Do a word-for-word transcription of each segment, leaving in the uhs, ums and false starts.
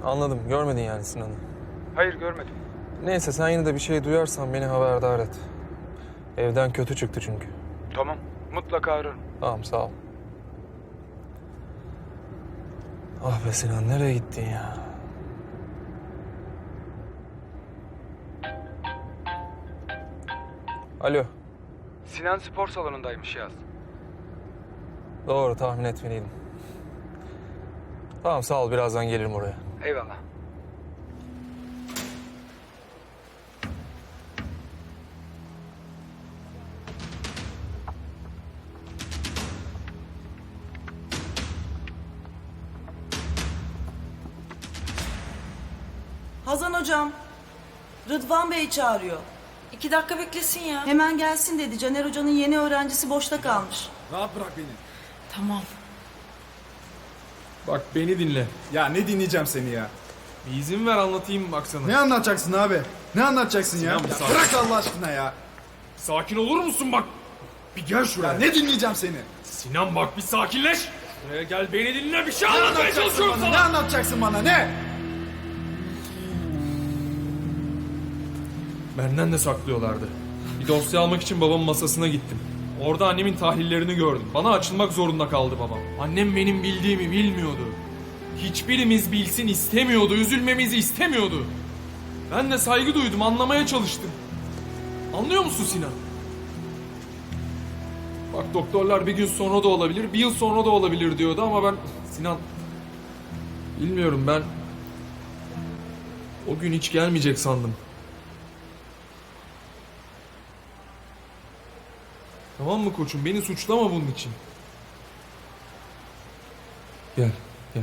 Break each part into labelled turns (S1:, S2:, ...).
S1: Anladım. Görmedin yani Sinan'ı.
S2: Hayır, görmedim.
S1: Neyse sen yine de bir şey duyarsan beni haberdar et. Evden kötü çıktı çünkü.
S2: Tamam, mutlaka ararım.
S1: Tamam sağ ol. Ah be Sinan nereye gittin ya? Alo.
S2: Sinan spor salonundaymış Yaz.
S1: Doğru tahmin etmeliydim. Tamam sağ ol birazdan gelirim oraya.
S2: Eyvallah.
S3: Hazan hocam, Rıdvan Bey çağırıyor.
S4: İki dakika beklesin ya.
S3: Hemen gelsin dedi. Caner hocanın yeni öğrencisi boşta kalmış.
S5: Rahat bırak beni.
S4: Tamam.
S6: Bak beni dinle.
S5: Ya ne dinleyeceğim seni ya?
S6: Bir izin ver anlatayım bak sana.
S5: Ne anlatacaksın abi? Ne anlatacaksın ya?
S6: Sinan, bir
S5: Ya
S6: sakin.
S5: bırak Allah aşkına ya.
S6: Sakin olur musun bak? Bir gel
S5: Ya
S6: şuraya.
S5: ne dinleyeceğim seni?
S6: Sinan bak bir sakinleş. Buraya gel beni dinle bir şey
S5: Ne
S6: anlatmaya
S5: anlatacaksın
S6: çalışıyorum
S5: bana? Ne
S6: sana.
S5: anlatacaksın bana? Ne?
S6: Benden de saklıyorlardı. Bir dosya almak için babamın masasına gittim. Orada annemin tahlillerini gördüm. Bana açılmak zorunda kaldı babam. Annem benim bildiğimi bilmiyordu. Hiçbirimiz bilsin istemiyordu. Üzülmemizi istemiyordu. Ben de saygı duydum, anlamaya çalıştım. Anlıyor musun Sinan? Bak doktorlar bir gün sonra da olabilir, bir yıl sonra da olabilir diyordu ama ben... Sinan... Bilmiyorum ben... O gün hiç gelmeyecek sandım. Tamam mı koçum? Beni suçlama bunun için. Gel, gel.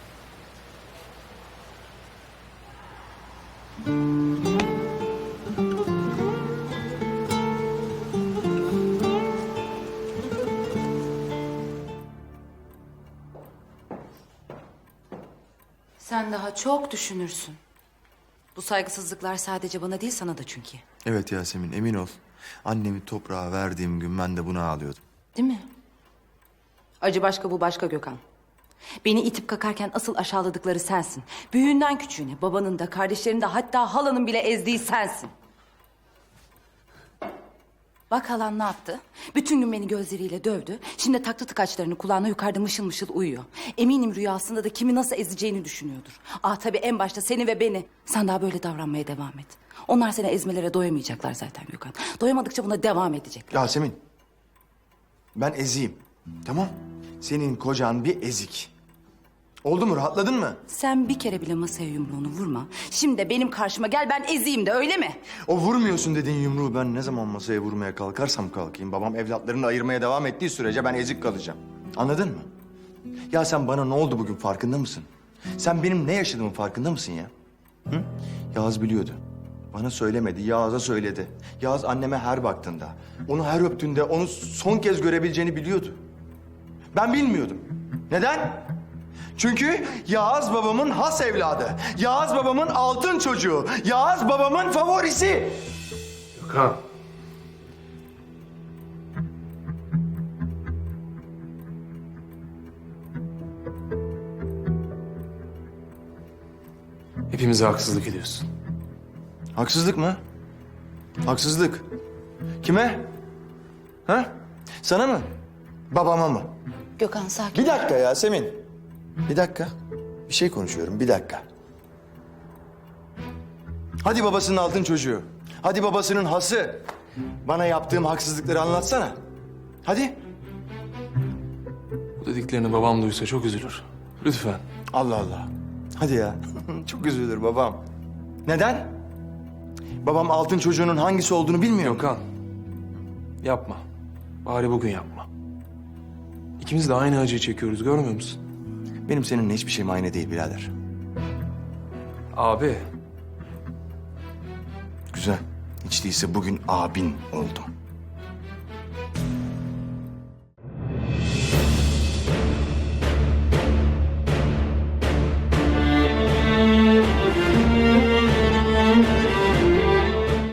S4: Sen daha çok düşünürsün. Bu saygısızlıklar sadece bana değil sana da çünkü.
S7: Evet Yasemin, emin ol. Annemi toprağa verdiğim gün ben de buna ağlıyordum.
S4: Değil mi? Acı başka bu başka Gökhan. Beni itip kakarken asıl aşağıladıkları sensin. Büyüğünden küçüğüne, babanın da, kardeşlerin de hatta halanın bile ezdiği sensin. Bak halan ne yaptı? Bütün gün beni gözleriyle dövdü. Şimdi taktı tıkaçlarını kulağına yukarıda mışıl mışıl uyuyor. Eminim rüyasında da kimi nasıl ezeceğini düşünüyordur. Ah tabii en başta seni ve beni. Sen daha böyle davranmaya devam et. Onlar seni ezmelere doyamayacaklar zaten Gökhan. Doyamadıkça buna devam edecekler.
S7: Yasemin, ben eziyim, tamam? Senin kocan bir ezik. Oldu mu, rahatladın mı?
S4: Sen bir kere bile masaya yumruğunu vurma. Şimdi de benim karşıma gel ben ezeyim de öyle mi?
S7: O vurmuyorsun dediğin yumruğu ben ne zaman masaya vurmaya kalkarsam kalkayım... babam evlatlarını ayırmaya devam ettiği sürece ben ezik kalacağım. Anladın mı? Ya sen bana ne oldu bugün farkında mısın? Sen benim ne yaşadığımın farkında mısın ya? Hı? Yağız biliyordu. Bana söylemedi, Yağız'a söyledi. Yağız anneme her baktığında, onu her öptüğünde onu son kez görebileceğini biliyordu. Ben bilmiyordum. Neden? Çünkü Yağız babamın has evladı. Yağız babamın altın çocuğu. Yağız babamın favorisi.
S1: Gökhan. Hepimize haksızlık ediyorsun.
S7: Haksızlık mı? Haksızlık. Kime? Ha? Sana mı? Babama mı?
S4: Gökhan sakin.
S7: Bir dakika Yasemin. Bir dakika. Bir şey konuşuyorum. Bir dakika. Hadi babasının altın çocuğu. Hadi babasının hası. Bana yaptığım haksızlıkları anlatsana. Hadi.
S1: Bu dediklerini babam duysa çok üzülür. Lütfen.
S7: Allah Allah. Hadi ya. Çok üzülür babam. Neden? Babam altın çocuğunun hangisi olduğunu bilmiyor mu?
S1: Gökhan. Yapma. Bari bugün yapma. İkimiz de aynı acıyı çekiyoruz görmüyor musun?
S7: Benim seninle hiçbir şeyim aynı değil birader.
S1: Abi.
S7: Güzel. Hiç değilse bugün abin oldum.